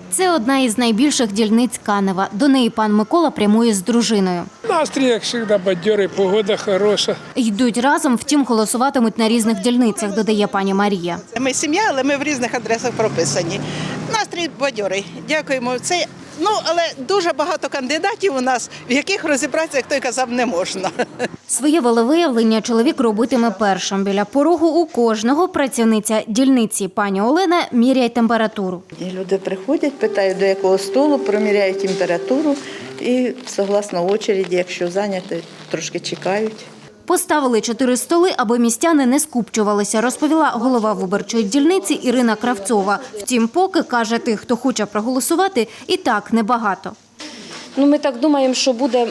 Це одна із найбільших дільниць Канева. До неї пан Микола прямує з дружиною. Настрій, як завжди, бадьорий, погода хороша. Йдуть разом, втім голосуватимуть на різних дільницях, додає пані Марія. Ми сім'я, але ми в різних адресах прописані. Настрій бадьорий. Дякуємо. Але дуже багато кандидатів у нас, в яких розібратися, як той казав, не можна. Своє волевиявлення чоловік робитиме першим. Біля порогу у кожного працівниця дільниці пані Олена міряє температуру. І люди приходять, питають, до якого столу, проміряють температуру і, согласно очереді, якщо зайняті, трошки чекають. Поставили 4 столи, аби містяни не скупчувалися, розповіла голова виборчої дільниці Ірина Кравцова. Втім, поки, каже, тих, хто хоче проголосувати, і так небагато. Ми так думаємо, що буде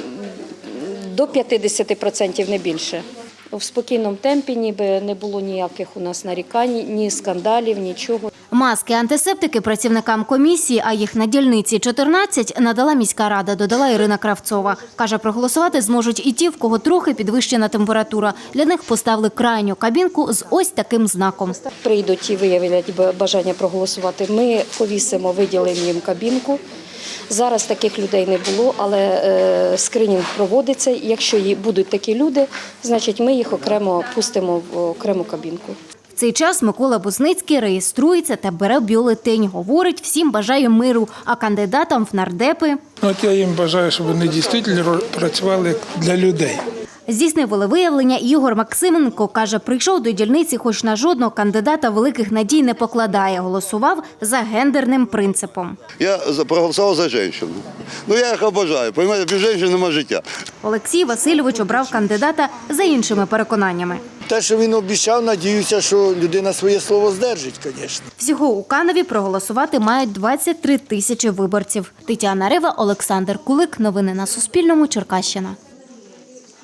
до 50%, не більше. В спокійному темпі, ніби не було ніяких у нас нарікань, ні скандалів, нічого. Маски, антисептики працівникам комісії, а їх на дільниці 14, надала міська рада, додала Ірина Кравцова. Каже, проголосувати зможуть і ті, в кого трохи підвищена температура. Для них поставили крайню кабінку з ось таким знаком. Прийдуть і виявлять бажання проголосувати. Ми повісимо, виділимо їм кабінку. Зараз таких людей не було, але скринінг проводиться. Якщо будуть такі люди, значить ми їх окремо пустимо в окрему кабінку. В цей час Микола Бузницький реєструється та бере бюлетень. Говорить, всім бажає миру, а кандидатам в нардепи... Я їм бажаю, щоб вони дійсно працювали для людей. Здійснив волевиявлення Ігор Максименко. Каже, прийшов до дільниці, хоч на жодного кандидата великих надій не покладає. Голосував за гендерним принципом. Я проголосував за жінку. Я їх обожаю. Понимаєте, без жінки немає життя. Олексій Васильович обрав кандидата за іншими переконаннями. Те, що він обіцяв, надіюся, що людина своє слово здержить, звісно. Всього у Каневі проголосувати мають 23 тисячі виборців. Тетяна Рева, Олександр Кулик. Новини на Суспільному. Черкащина.